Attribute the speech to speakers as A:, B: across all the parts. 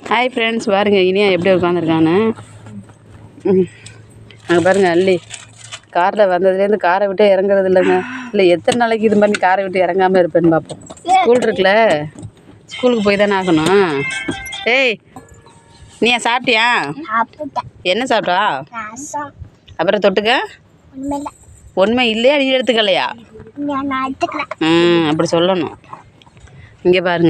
A: Hi friends, பாருங்கள் இனியா எப்படி உட்காந்துருக்கான்னு. அங்கே பாருங்கள் அள்ளி காரில் வந்ததுலேருந்து காரை விட்டு இறங்குறது இல்லைங்க. இல்லை எத்தனை நாளைக்கு இது பண்ணி காரை விட்டு இறங்காமல் இருப்பேன்னு பார்ப்போம். ஸ்கூல் இருக்குல்ல, ஸ்கூலுக்கு போய் தானே ஆகணும். ஏய் நீயா சாப்பிட்டியா? என்ன சாப்பிட்டா? அப்புறம் தொட்டுக்க உண்மை இல்லையா? நீ எடுத்துக்கலையா? அப்படி சொல்லணும். இங்கே பாருங்க,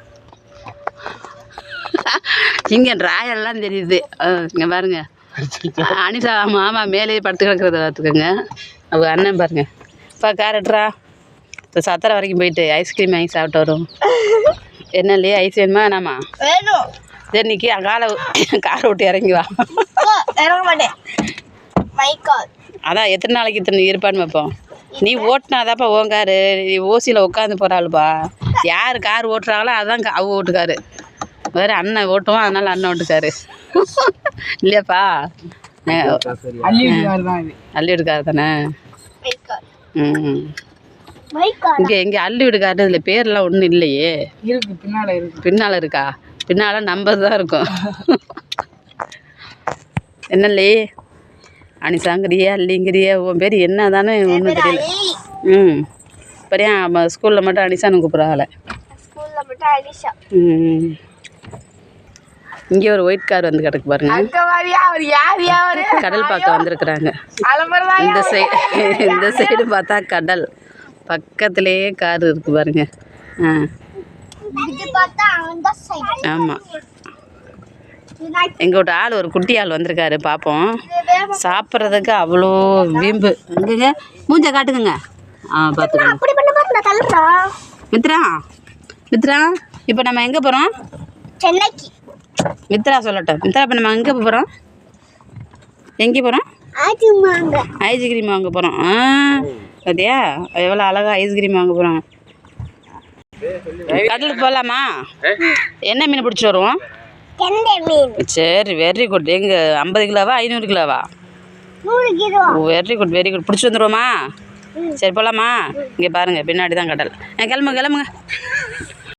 A: இங்கே ட்ராயெல்லாம் தெரியுது. இங்கே பாருங்க அனிஷா மாமா மேலேயே படுத்து கிடக்கிறத பார்த்துக்கோங்க. அவங்க அண்ணன் பாருங்க. இப்போ கேரட்ரா இப்போ சத்திரம் வரைக்கும் போயிட்டு ஐஸ்கிரீம் வாங்கி சாப்பிட்டு வரும். என்ன இல்லையா? ஐஸ் வேணுமா வேணாமா? சரி நிற்கி காலை விட்டு இறங்கி வா. அதான் எத்தனை நாளைக்கு இத்தனை இருப்பான்னு வைப்போம். நீ ஓட்டினாதாப்பா உன் காரு. நீ ஓசியில் உட்காந்து போகிறாளுப்பா. யார் கார் ஓட்டுறாங்களோ அதுதான் அவ ஓட்டுக்காரு. வேறு அண்ணன் ஓட்டுவோம், அதனால அண்ணன் ஓட்டுக்காரு இல்லையாப்பா? அள்ளி வீடுக்காரு தானே. இங்கே எங்கே அள்ளி வீடுக்காரு இதில் பேர்லாம் ஒன்றும் இல்லையே. பின்னால் இருக்கா? பின்னால் நம்பர் தான் இருக்கும். என்னல்லே அனிசாங்கிறியா அள்ளிங்கிறியா? உன் பேர் என்ன தானே ஒன்றும் தெரியல. இப்படியா ஸ்கூலில் மட்டும் அனிசான்னு கூப்பிட்றாங்கள. இங்கே ஒரு ஒயிட் கார் வந்து கிடக்கு பாருங்க. கடல் பார்க்க வந்திருக்கிறாங்க. இந்த சைடு பார்த்தா கடல், பக்கத்துலேயே கார் இருக்கு பாருங்க. ஆமாம், எங்கள்கிட்ட ஆள் ஒரு குட்டி ஆள் வந்திருக்காரு. பார்ப்போம். சாப்பிட்றதுக்கு அவ்வளோ வீம்பு. எங்கங்க மூஞ்ச காட்டுக்குங்க. பார்த்துக்கோங்க. மித்ரா இப்போ நம்ம எங்கே போகிறோம்?
B: சென்னைக்கு.
A: மித்ரா சொல்லட்டும். மித்ரா இப்போ நம்ம எங்கே போகிறோம்? எங்கே போகிறோம்? ஐஸ்கிரீம் வாங்க போகிறோம். பார்த்தியா எவ்வளோ அழகாக ஐஸ்கிரீம் வாங்க போகிறோம். கடலுக்கு போகலாமா? என்ன மீன் பிடிச்சி வருவோம்? சரி, வெரி குட். எங்கே 50 கிலோவா 500 கிலோவா? Very good very good. பிடிச்சி வந்துடுவோமா? சரி போகலாமா? இங்கே பாருங்கள் பின்னாடி தான் கடல். கிளம்புங்க.